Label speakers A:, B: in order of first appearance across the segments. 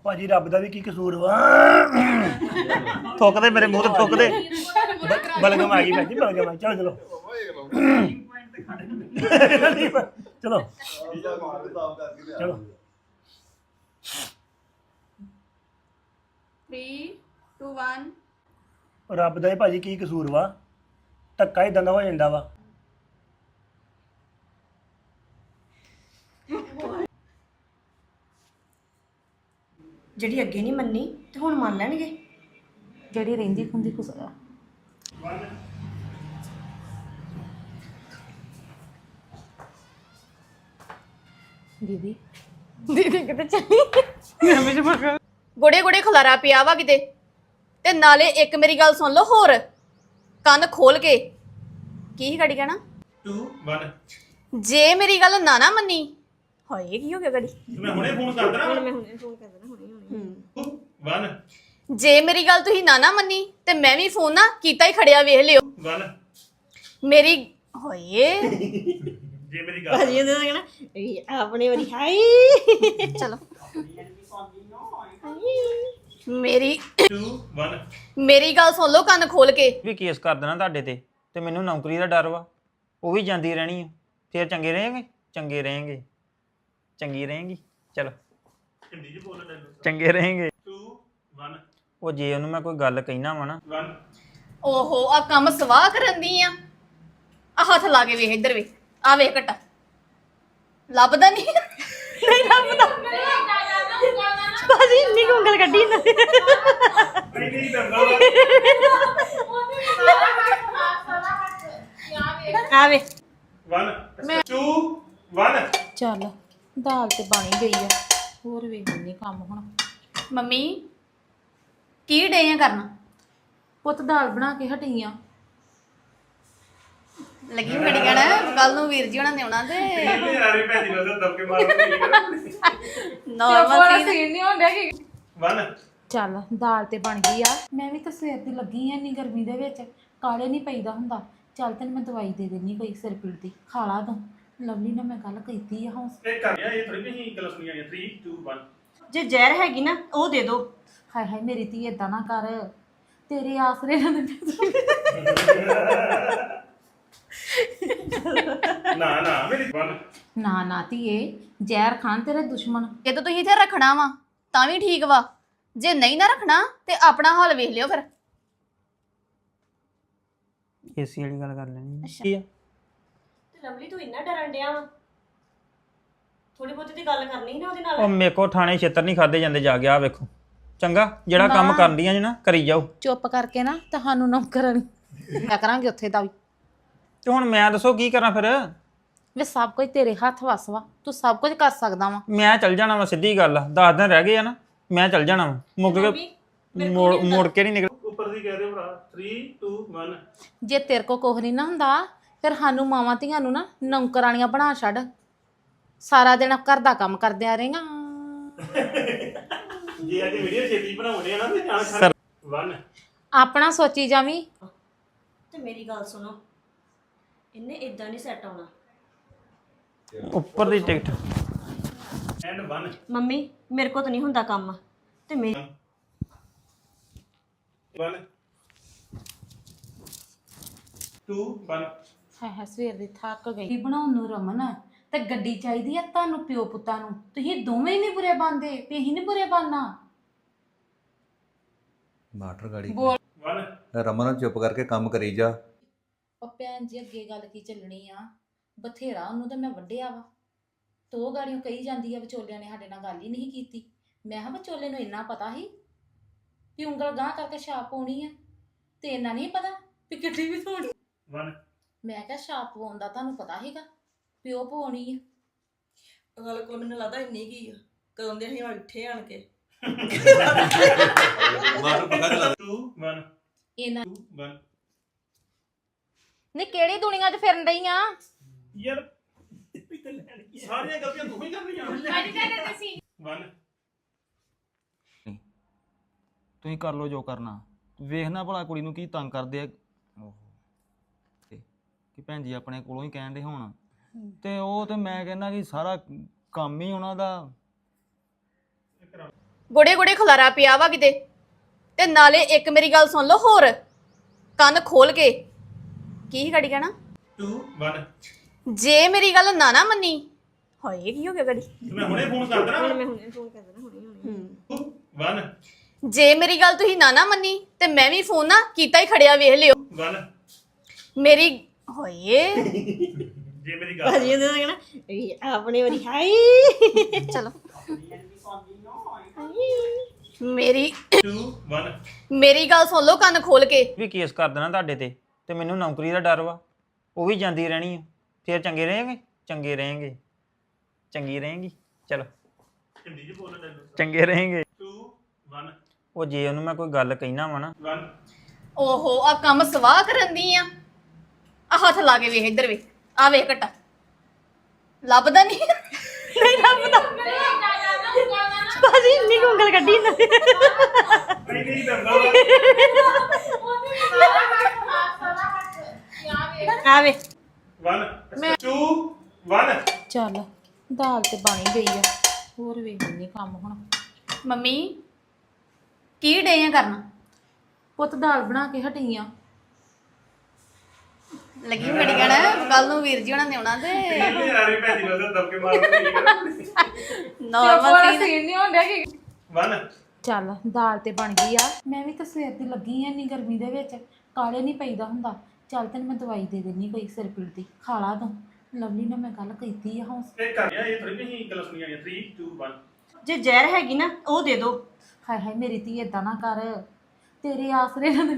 A: ਭਾਜੀ ਰੱਬ ਦਾ ਵੀ ਕੀ ਕਸੂਰ ਵਾ
B: ਥੁੱਕਦੇ ਮੇਰੇ ਮੂੰਹ ਤੇ ਥੁੱਕਦੇ
A: ਬਲਗਮ ਆ ਗਈ ਭਾਜੀ ਬਲਗਮ ਆ ਚਲੋ ਚਲੋ ਚਲੋ ਚਲੋ
C: 3 2 1
A: ਰੱਬ ਦਾ ਹੀ ਭਾਜੀ ਕੀ ਕਸੂਰ ਵਾ ਧੱਕਾ ਹੀ ਦੰਦਾ ਹੋ ਜਾਂਦਾ ਵਾ
D: ਜਿਹੜੀ ਅੱਗੇ ਨਹੀਂ ਮੰਨੀ ਤੇ ਹੁਣ ਮੰਨ ਲੈਣਗੇ
E: ਜਿਹੜੀ ਰਹਿੰਦੀ ਖੁੰਦੀ ਕੁਸ ਦੀਦੀ ਦੀਦੀ ਕਿਤੇ ਚੱਲੀ
C: ਗੋੜੇ ਗੋੜੇ ਖਲਾਰਾ ਪਿਆ ਵਾ ਕਿਤੇ ਤੇ ਨਾਲੇ ਇੱਕ ਮੇਰੀ ਗੱਲ ਸੁਣ ਲਓ ਹੋਰ ਕੰਨ ਖੋਲ ਕੇ ਕੀ ਗੜੀ ਕਹਿਣਾ
B: 2 1
C: ਜੇ ਮੇਰੀ ਗੱਲ ਨਾ ਮੰਨੀ ਹਾਏ ਕੀ ਹੋ ਗਿਆ ਗੜੀ
B: ਮੈਂ ਹੁਣੇ ਫੋਨ ਕਰ ਦੇਣਾ ਮੈਂ ਹੁਣੇ ਫੋਨ ਕਰ ਦੇਣਾ 1
C: ਜੇ ਮੇਰੀ ਗੱਲ ਤੁਸੀਂ ਨਾ ਮੰਨੀ ਤੇ ਮੈਂ ਵੀ ਫੋਨ ਨਾ ਕੀਤਾ ਹੀ ਖੜਿਆ ਵੇਖ ਲਿਓ
B: 1
C: ਮੇਰੀ ਹੋਏ
B: ਜੇ ਮੇਰੀ ਗੱਲ
D: ਭਾਜੀ ਉਹਦੇ ਨਾਲ ਕਹਿਣਾ ਆਪਣੇ ਵਾਰੀ ਹਾਈ
C: ਚਲੋ ਮੇਰੀ
B: 2 1
C: ਮੇਰੀ ਗੱਲ ਸੁਣ ਲਓ ਕੰਨ ਖੋਲ ਕੇ
B: ਵੀ ਕੇਸ ਕਰ ਦੇਣਾ ਤੁਹਾਡੇ ਤੇ ਮੈਨੂੰ ਨੌਕਰੀ ਦਾ ਡਰ ਵਾ ਉਹ ਵੀ ਜਾਂਦੀ ਰਹਿਣੀ ਆ ਫੇਰ ਚੰਗੇ ਰਹੇਗੇ ਚੰਗੀ ਰਹੇਗੀ ਚਲੋ ਚੰਗੇ ਰਹੇਗੇ 2 1 ਉਹ ਜੇ ਉਹਨੂੰ ਮੈਂ ਕੋਈ ਗੱਲ ਕਹਿਣਾ ਵਾ ਨਾ 1
C: ਓਹੋ ਆ ਕੰਮ ਸਵਾਹ ਕਰਨ ਦੀ ਆ ਹੱਥ ਲਾ ਕੇ ਵੇਖ ਇੱਧਰ ਵੇ ਆ ਵੇਖ ਘਟਾ ਲੱਭਦਾ ਨਹੀਂ ਨਹੀਂ ਲੱਭਦਾ
D: ਭਾਜੀ ਇੰਨੀ ਕੁ ਉਂਗਲ ਕੱਢੀ ਨਾ ਆਵੇ
B: 1 2 1
E: ਚੱਲ ਦਾਲ ਤੇ ਬਣ ਗਈ ਆ ਹੋਰ ਵੇਖ ਲੈਂਦੇ ਕੰਮ ਹੁਣ
C: ਮੰਮੀ ਕੀ ਡੇ ਆ ਕਰਨਾ
E: ਪੁੱਤ ਦਾਲ ਬਣਾ ਕੇ ਹਟੀ ਆ
C: ਲੱਗੀ ਮੇਰੀ ਕਹਿਣਾ ਕੱਲ ਨੂੰ ਵੀਰ ਜੀ ਉਹਨਾਂ ਨੇ ਆਉਣਾ ਤੇ
B: ਯਾਰੇ ਭੈਣ ਜੀ ਨੂੰ ਦਬਕੇ ਮਾਰ
C: ਨਾਰਮਲ
E: ਸੀਨ ਨਹੀਂ ਹੁੰਦਾ ਕਿ
B: 1
E: ਚੱਲ ਦਾਲ ਤੇ ਬਣ ਗਈ ਆ ਮੈਂ ਵੀ ਤਾਂ ਸਵੇਰ ਦੀ ਲੱਗੀ ਆ ਇੰਨੀ ਗਰਮੀ ਦੇ ਵਿੱਚ ਕਾਲੇ ਨਹੀਂ ਪਈਦਾ ਹੁੰਦਾ ਚੱਲ ਤੈਨੂੰ ਮੈਂ ਦਵਾਈ ਦੇ ਦੇਣੀ ਕੋਈ ਸਿਰ ਪੀੜ ਦੀ ਖਾ ਲਾ ਤੂੰ ਲਵਲੀ ਨਾਲ ਮੈਂ ਗੱਲ ਕੀਤੀ ਆ ਹੌਸ
B: ਇਹ ਕਰ ਗਿਆ ਇਹ ਥੋੜੀ ਨਹੀਂ ਗੱਲ ਸੁਣੀ ਆਈ 3 2 1
D: ਜੇ ਜ਼ਹਿਰ ਹੈਗੀ ਨਾ ਉਹ ਦੇ ਦੋ
E: ਹਾਏ ਹਾਏ ਮੇਰੀ ਧੀ ਏਦਾਂ ਨਾ ਕਰ ਤੇਰੇ ਆਸਰੇ ਨਾਲ
B: ਨਾ ਮੇਰੀ 1
E: ਨਾ ਧੀਏ ਜ਼ਹਿਰ ਖਾਨ ਤੇਰੇ ਦੁਸ਼ਮਣ
C: ਜੇ ਤਾਂ ਤੁਸੀਂ ਇੱਥੇ ਰੱਖਣਾ ਵਾ ਤਾਂ ਵੀ ਠੀਕ ਵਾ ਜੇ ਨਹੀਂ ਨਾ ਰੱਖਣਾ ਤੇ ਆਪਣਾ ਹਾਲ ਵੇਖ ਲਿਓ ਫਿਰ
B: ਏਸੀ ਵਾਲੀ ਗੱਲ ਕਰ ਲੈਣੀ ਕੀ ਆ
D: ਤੇ ਲਵਲੀ ਤੂੰ ਇੰਨਾ ਡਰਨ ਡਿਆ ਵਾ ਥੋੜੀ ਬਹੁਤੀ ਦੀ ਗੱਲ ਕਰਨੀ ਸੀ ਨਾ ਉਹਦੇ ਨਾਲ
B: ਉਹ ਮੇਰੇ ਕੋ ਥਾਣੇ ਛੇਤਰ ਨਹੀਂ ਖਾਦੇ ਜਾਂਦੇ ਜਾ ਗਿਆ ਵੇਖੋ ਚੰਗਾ ਜਿਹੜਾ ਕੰਮ ਕਰਦੀਆਂ ਜੀ ਨਾ ਕਰੀ ਜਾਓ
E: ਚੁੱਪ ਕਰਕੇ ਨਾ ਤੁਹਾਨੂੰ ਨੌਕਰਾਂ ਮੈਂ ਕਰਾਂਗੇ ਉੱਥੇ ਦਾ ਵੀ
B: ਤੇ ਹੁਣ ਮੈਂ ਦੱਸੋ ਕੀ ਕਰਾਂ ਫਿਰ
E: ਵੇ ਸਭ ਕੁਝ ਤੇਰੇ ਹੱਥ ਵੱਸ ਵਾ ਤੂੰ ਸਭ ਕੁਝ ਕਰ ਸਕਦਾ ਵਾ
B: ਮੈਂ ਚੱਲ ਜਾਣਾ ਵਾ ਸਿੱਧੀ ਗੱਲ ਆ 10 ਦਿਨ ਰਹਿ ਗਏ ਆ ਨਾ ਮੈਂ ਚੱਲ ਜਾਣਾ ਵਾ ਮੁੱਕ ਕੇ ਮੋੜ ਕੇ ਨਹੀਂ ਨਿਕਲ ਉੱਪਰ ਦੀ ਕਹਿ ਰਹੇ ਭਰਾ 3 2 1
E: ਜੇ ਤੇਰੇ ਕੋ ਕੁਝ ਨਹੀਂ ਨਾ ਹੁੰਦਾ ਫਿਰ ਸਾਨੂੰ ਮਾਵਾਂ ਧੀਆਂ ਨੂੰ ਨਾ ਨੌਕਰਾਣੀਆਂ ਬਣਾ ਛੱਡ ਸਾਰਾ ਦਿਨ ਘਰ ਦਾ ਕੰਮ ਕਰਦਿਆਂ ਰਹੇਗਾ
B: ਜੇ ਅੱਜ ਵੀਡੀਓ ਛੇਤੀ ਬਣਾਉਣੇ ਆ ਨਾ ਤੇ ਜਾਣ 1
E: ਆਪਣਾ ਸੋਚੀ ਜਾਵੀਂ
D: ਤੇ ਮੇਰੀ ਗੱਲ ਸੁਣੋ ਇਹਨੇ ਇਦਾਂ ਨਹੀਂ ਸੈੱਟ ਆਉਣਾ
B: ਉੱਪਰ ਦੀ ਟਿਕਟ ਐਂਡ 1
D: ਮੰਮੀ ਮੇਰੇ ਕੋ ਤਾਂ ਨਹੀਂ ਹੁੰਦਾ ਕੰਮ ਤੇ ਮੈਂ
B: 1 2 1
E: ਹੈ ਸਵੇਰ ਦੀ ਥੱਕ ਗਈ ਬਣਾਉਣ ਨੂੰ ਰਮਨ ਤੇ ਗੱਡੀ ਚਾਹੀਦੀ ਆ ਤੁਹਾਨੂੰ ਪਿਓ ਪੁੱਤਾਂ ਨੂੰ ਤੁਸੀਂ ਦੋਵੇਂ ਹੀ ਨਹੀਂ ਬੁਰੇ ਬਣਦੇ ਤੇ ਅਸੀਂ ਨਹੀਂ ਬੁਰੇ ਬਣਨਾ
F: ਮਾਟਰ ਗਾੜੀ
B: 1
F: ਰਮਨ ਚੁੱਪ ਕਰਕੇ ਕੰਮ ਕਰੀ ਜਾ
E: ਉਹ ਭੈਣ ਜੀ ਅੱਗੇ ਗੱਲ ਕੀ ਚੱਲਣੀ ਆ ਬਥੇਰਾ ਉਹਨੂੰ ਤਾਂ ਮੈਂ ਵੱਢਿਆ ਵਾ ਤੋ ਗਾੜੀਆਂ ਕਹੀ ਜਾਂਦੀ ਆ ਵਿਚੋਲਿਆਂ ਨੇ ਸਾਡੇ ਨਾਲ ਗੱਲ ਹੀ ਨਹੀਂ ਕੀਤੀ ਮੈਂ ਕਿਹਾ ਵਿਚੋਲੇ ਨੂੰ ਇੰਨਾ ਪਤਾ ਸੀ ਕਿ ਉਂਗਲ ਗਾਂ ਕਰਕੇ ਛਾਪ ਪਾਉਣੀ ਆ ਤੇ ਇੰਨਾ ਨਹੀਂ ਪਤਾ ਵੀ ਕਿੱਡੀ ਵੀ ਧੋਣੀ
B: 1
E: ਮੈਂ ਕਿਹਾ ਛਾਪ ਪਾਉਣ ਦਾ ਤੁਹਾਨੂੰ ਪਤਾ ਸੀਗਾ ਪਿਓ ਪਾਉਣੀ ਆ
D: ਗੱਲ ਕੋਲ ਮੈਨੂੰ ਲੱਗਦਾ ਇੰਨੀ ਕੀ ਆ ਕਦੋਂ ਦੇ ਅਸੀਂ ਉੱਠੇ ਆਣ ਕੇ
F: ਮਾਟਰ ਪੱਕਾ ਚਲਾ
B: 2 1
E: ਇਹਨਾਂ
B: 2 1
E: ਨੇ ਕਿਹੜੀ ਦੁਨੀਆ 'ਚ ਫਿਰਨ ਰਹੀ ਆ
B: ਯਾਰ ਸਾਰੀਆਂ ਗਲਤੀਆਂ ਤੂੰ ਹੀ ਕਰਨੀਆਂ ਅੱਜ ਕਹਿੰਦੇ ਸੀ 1
G: ਤੁਸੀਂ ਕਰ ਲਓ ਜੋ ਕਰਨਾ ਵੇਖਣਾ ਭਲਾ ਕੁੜੀ ਨੂੰ ਕੀ ਤੰਗ ਕਰਦੇ ਆ ਕਿ ਭੈਣ ਜੀ ਆਪਣੇ ਕੋਲੋਂ ਹੀ ਕਹਿਣ ਦੇ ਹੁਣ ਤੇ ਉਹ ਤੇ ਮੈਂ ਕਹਿੰਦਾ ਕਿ ਸਾਰਾ ਕੰਮ ਹੀ ਉਹਨਾਂ ਦਾ
C: ਗੋੜੇ ਗੋੜੇ ਖਲਾਰਾ ਪਿਆ ਵਾ ਕਿਤੇ। ਤੇ ਨਾਲੇ ਇੱਕ ਮੇਰੀ ਗੱਲ ਸੁਣ ਲਓ ਹੋਰ, ਕੰਨ ਖੋਲ ਕੇ। ਕੀ ਗੜੀ ਕਹਿਣਾ?
H: 2 1
C: ਜੇ ਮੇਰੀ ਗੱਲ ਨਾ ਮੰਨੀ, ਹਾਏ ਕੀ ਹੋ ਗਿਆ ਗੜੀ?
H: ਮੈਂ ਹੁਣੇ ਫੋਨ ਕਰ ਦੇਣਾ ਮੈਂ ਹੁਣੇ ਫੋਨ ਕਰ ਦੇਣਾ ਹੁਣੇ 1
C: ਜੇ ਮੇਰੀ ਗੱਲ ਤੁਸੀਂ ਨਾ ਮੰਨੀ ਤੇ ਮੈਂ ਵੀ ਫੋਨ ਨਾ ਕੀਤਾ ਹੀ ਖੜਿਆ, ਵੇਖ ਲਿਓ
H: 1
C: ਮੇਰੀ। ਹੋਏ
H: ਜੇ ਮੇਰੀ ਗੱਲ
D: ਭਾਜੀ ਉਹਨੇ ਕਹਿਣਾ ਆਪਣੇ ਵਾਰੀ ਹਾਈ।
C: ਚਲੋ ਮੇਰੀ
H: 2 1
C: ਮੇਰੀ ਗੱਲ ਸੁਣ ਲਓ ਕੰਨ ਖੋਲ ਕੇ।
B: ਵੀ ਕੇਸ ਕਰ ਦੇਣਾ ਤੁਹਾਡੇ ਤੇ ਮੈਨੂੰ ਨੌਕਰੀ ਦਾ ਡਰ ਵਾ, ਉਹ ਵੀ ਜਾਂਦੀ ਰਹਿਣੀ ਆ। ਫਿਰ ਚੰਗੇ ਰਹੇਂਗੇ, ਚੰਗੇ ਰਹੇਂਗੇ, ਚੰਗੀ ਰਹੇਂਗੀ। ਚਲੋ
H: ਹਿੰਦੀ ਚ ਬੋਲਣਾ ਡਾਇਲੋਗ
B: ਚੰਗੇ ਰਹੇਂਗੇ।
H: 2 1
B: ਉਹ ਜੇ ਉਹਨੂੰ ਮੈਂ ਕੋਈ ਗੱਲ ਕਹਿਣਾ ਵਾ ਨਾ,
H: 1
C: ਓਹੋ ਆ ਕੰਮ ਸਵਾਹ ਕਰਨ ਦੀ ਆ ਹੱਥ ਲਾ ਕੇ ਵੇਖ ਇੱਧਰ ਵੇਖ, ਆ ਵੇਖ ਘਟਾ ਲੱਭਦਾ ਨਹੀਂ ਨਹੀਂ ਲੱਭਦਾ।
D: ਭਾਜੀ ਇੰਨੀ ਕੁ ਉਂਗਲ ਕੱਢੀ ਨਾ।
H: ਨਹੀਂ ਨਹੀਂ ਦੰਦਾ
D: ਆਵੇ
H: 1 2 1
E: ਚੱਲ ਦਾਲ ਤੇ ਬਣ ਹੀ ਗਈ ਆ, ਹੋਰ ਵੇਖ ਨਹੀਂ ਕੰਮ ਹੁਣ।
C: ਮੰਮੀ ਕੀ ਡੇ ਆ ਕਰਨਾ?
E: ਪੁੱਤ ਦਾਲ ਬਣਾ ਕੇ ਹਟੀ ਆ।
C: ਲੱਗੀ ਮੇਰੀ ਕਹਿਣਾ ਕੱਲ ਨੂੰ ਵੀਰ ਜੀ ਹੋਣਾ ਨੇ ਆਉਣਾ ਤੇ
H: ਯਾਰੀ ਭੈਣੀ ਨੂੰ ਦਬਕੇ ਮਾਰਦੇ
C: ਨਾਰਮਲ
E: ਸੀਨ ਨਹੀਂ ਹੁੰਦਾ ਕਿ
H: 1
E: ਚੱਲ ਦਾਲ ਤੇ ਬਣ ਗਈ ਆ। ਮੈਂ ਵੀ ਤਾਂ ਸਵੇਰ ਦੀ ਲੱਗੀ ਆ, ਇੰਨੀ ਗਰਮੀ ਦੇ ਵਿੱਚ ਕਾਲੇ ਨਹੀਂ ਪਈਦਾ ਹੁੰਦਾ। ਚੱਲ ਤੈਨੂੰ ਮੈਂ ਦਵਾਈ ਦੇ ਦਿੰਨੀ ਕੋਈ ਸਿਰ ਪੀੜ ਦੀ, ਖਾ ਲਾ ਤੂੰ। ਲਵਲੀ ਨਾਲ ਮੈਂ ਗੱਲ ਕੀਤੀ ਆ ਹੌਸ।
H: ਇਹ ਕਰ ਗਿਆ ਇਹ ਥੋੜੀ ਨਹੀਂ ਗੱਲ ਸੁਣੀ ਆਈ 3 2 1
D: ਜੇ ਜ਼ਹਿਰ ਹੈਗੀ ਨਾ ਉਹ ਦੇ ਦੋ।
E: ਹਾਏ ਹਾਏ ਮੇਰੀ ਧੀ ਏਦਾਂ ਨਾ ਕਰ, ਤੇਰੇ ਆਸਰੇ ਨਾਲ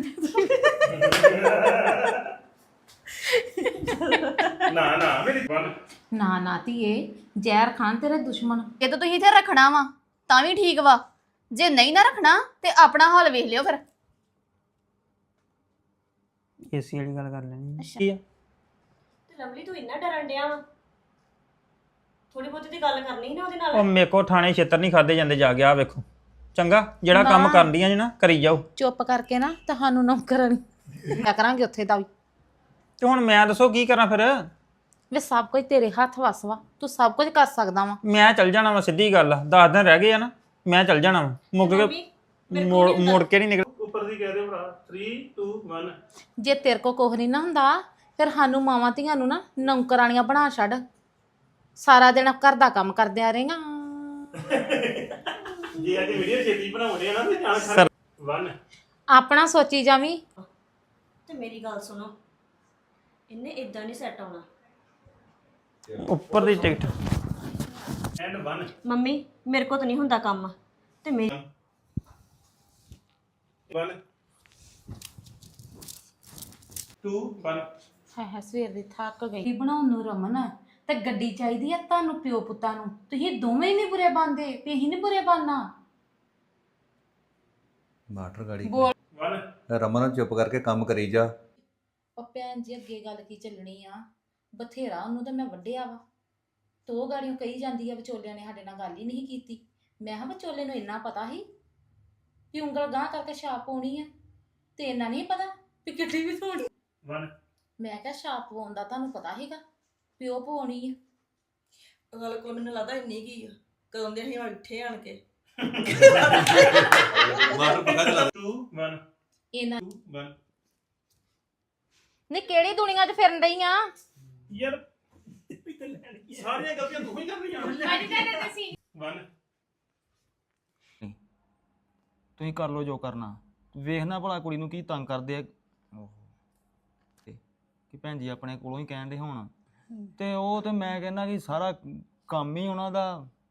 H: ਨਾ ਨਾ ਮੇਰੀ 1
E: ਨਾ ਨਾ ਧੀਏ, ਜ਼ਹਿਰ ਖਾਨ ਤੇਰੇ ਦੁਸ਼ਮਣ।
C: ਇਹ ਤਾਂ ਤੁਸੀਂ ਇੱਥੇ ਰੱਖਣਾ ਵਾ ਤਾਂ ਵੀ ਠੀਕ ਵਾ, ਜੇ ਨਹੀਂ ਨਾ ਰੱਖਣਾ ਤੇ ਆਪਣਾ ਹਾਲ ਵੇਖ ਲਿਓ ਫਿਰ।
B: ਏਸੀ ਵਾਲੀ ਗੱਲ ਕਰ ਲੈਣੀ ਕੀ ਆ?
D: ਤੇ ਲਵਲੀ ਤੂੰ ਇੰਨਾ ਡਰਨ ਡਿਆ ਵਾ, ਥੋੜੀ ਬਹੁਤੀ ਦੀ ਗੱਲ ਕਰਨੀ ਸੀ ਨਾ ਉਹਦੇ ਨਾਲ।
B: ਉਹ ਮੇਰੇ ਕੋ ਥਾਣੇ ਛੇਤਰ ਨਹੀਂ ਖਾਦੇ ਜਾਂਦੇ ਜਾ ਗਿਆ ਵੇਖੋ। ਚੰਗਾ ਜਿਹੜਾ ਕੰਮ ਕਰਦੀਆਂ ਜੀ ਨਾ ਕਰੀ ਜਾਓ।
E: ਚੁੱਪ ਕਰਕੇ ਨਾ ਤੁਹਾਨੂੰ ਨੌਕਰਾਂ ਨਹੀਂ ਕਰਾਂਗੇ ਉੱਥੇ ਦਾ ਵੀ।
B: ਤੇ ਹੁਣ ਮੈਂ ਦੱਸੋ ਕੀ ਕਰਾਂ ਫਿਰ?
E: ਵੇ ਸਭ ਕੁਝ ਤੇਰੇ ਹੱਥ ਵੱਸ ਵਾ, ਤੂੰ ਸਭ ਕੁਝ ਕਰ ਸਕਦਾ ਵਾ।
B: ਮੈਂ ਚੱਲ ਜਾਣਾ ਵਾ, ਸਿੱਧੀ ਗੱਲ ਆ। 10 ਦਿਨ ਰਹਿ ਗਏ ਆ ਨਾ, ਮੈਂ ਚੱਲ ਜਾਣਾ ਵਾ। ਮੁੱਕ ਕੇ ਮੋੜ ਕੇ ਨਹੀਂ ਨਿਕਲ।
H: ਉੱਪਰ ਦੀ ਕਹਿ ਰਹੇ ਭਰਾ 3 2 1
E: ਜੇ ਤੇਰੇ ਕੋ ਕੁਝ ਨਹੀਂ ਨਾ ਹੁੰਦਾ ਫਿਰ ਸਾਨੂੰ ਮਾਵਾਂ ਧੀਆਂ ਨੂੰ ਨਾ ਨੌਕਰਾਣੀਆਂ ਬਣਾ ਛੱਡ, ਸਾਰਾ ਦਿਨ ਘਰ ਦਾ ਕੰਮ ਕਰਦਿਆਂ ਰਹੇਗਾ।
H: ਜੇ ਅੱਜ ਵੀਡੀਓ ਛੇਤੀ ਬਣਾਉਂਦੇ ਆ ਨਾ ਤੇ ਜਾਣ ਖਾ 1
E: ਆਪਣਾ ਸੋਚੀ ਜਾਵੀਂ।
D: ਤੇ ਮੇਰੀ ਗੱਲ ਸੁਣੋ, ਇਹਨੇ ਇਦਾਂ ਨਹੀਂ ਸੈੱਟ ਆਉਣਾ।
B: ਉੱਪਰ ਦੀ ਟਿਕਟ
H: ਐਂਡ 1
D: ਮੰਮੀ ਮੇਰੇ ਕੋ ਤਾਂ ਨਹੀਂ ਹੁੰਦਾ ਕੰਮ ਤੇ ਮੇਰੀ
H: 1 2 1
E: ਹਾਏ ਹਾਏ ਸਵੇਰ ਦੀ ਥੱਕ ਗਈ। ਬਣਾਉਣ ਨੂੰ ਰਮਨ ਤੇ ਗੱਡੀ ਚਾਹੀਦੀ ਆ ਤੁਹਾਨੂੰ ਪਿਓ ਪੁੱਤਾਂ ਨੂੰ। ਤੁਸੀਂ ਦੋਵੇਂ ਹੀ ਨਹੀਂ ਬੁਰੇ ਬਣਦੇ ਤੇ ਅਸੀਂ ਨਹੀਂ ਬੁਰੇ ਬਣਨਾ।
F: ਮਾਟਰ ਗਾੜੀ
H: 1
F: ਰਮਨ ਚੁੱਪ ਕਰਕੇ ਕੰਮ ਕਰੀ ਜਾ।
E: ਉਹ ਭੈਣ ਜੀ ਅੱਗੇ ਗੱਲ ਕੀ ਚੱਲਣੀ ਆ, ਬਥੇਰਾ ਉਹਨੂੰ ਤਾਂ ਮੈਂ ਵੱਢਿਆ ਵਾ। ਤੋ ਗਾੜੀਆਂ ਕਹੀ ਜਾਂਦੀ ਆ ਵਿਚੋਲਿਆਂ ਨੇ ਸਾਡੇ ਨਾਲ ਗੱਲ ਹੀ ਨਹੀਂ ਕੀਤੀ। ਮੈਂ ਕਿਹਾ ਵਿਚੋਲੇ ਨੂੰ ਇੰਨਾ ਪਤਾ ਸੀ ਵੀ ਉਂਗਲ ਗਾਂਹ ਕਰਕੇ ਛਾਪ ਪਾਉਣੀ ਆ, ਤੇ ਇੰਨਾ ਨਹੀਂ ਪਤਾ ਵੀ ਕਿੱਡੀ ਵੀ ਥੋੜੀ।
H: 1
E: ਮੈਂ ਕਿਹਾ ਛਾਪ ਪਵਾਉਣ ਦਾ ਤੁਹਾਨੂੰ ਪਤਾ ਸੀਗਾ ਵੀ ਉਹ ਪਵਾਉਣੀ ਆ।
I: ਗੱਲ ਕੋਲ ਮੈਨੂੰ ਲੱਗਦਾ ਇੰਨੀ ਕੀ ਆ, ਕਦੋਂ ਦੇ ਅਸੀਂ ਉੱਠੇ ਆਣ ਕੇ।
F: ਮਾਟਰ ਪੱਕਾ ਚਲਾ
H: 2 1
E: ਇਹਨਾਂ
H: 2 1
E: ਨੇ ਕਿਹੜੀ ਦੁਨੀਆ 'ਚ ਫਿਰਨ ਰਹੀ ਆ?
H: ਯਾਰ ਸਾਰੀਆਂ ਗਲਤੀਆਂ ਤੂੰ ਹੀ ਕਰ ਰਹੀ ਆ 1
G: ਤੁਸੀਂ ਕਰ ਲਓ ਜੋ ਕਰਨਾ। ਵੇਖਣਾ ਭਲਾ ਕੁੜੀ ਨੂੰ ਕੀ ਤੰਗ ਕਰਦੇ ਆ। ਕਿ ਭੈਣ ਜੀ ਆਪਣੇ ਕੋਲੋਂ ਹੀ ਕਹਿਣ ਦੇ ਹੋਣ, ਤੇ ਉਹ ਤੇ ਮੈਂ ਕਹਿੰਦਾ ਕਿ ਸਾਰਾ ਕੰਮ ਹੀ ਉਹਨਾਂ ਦਾ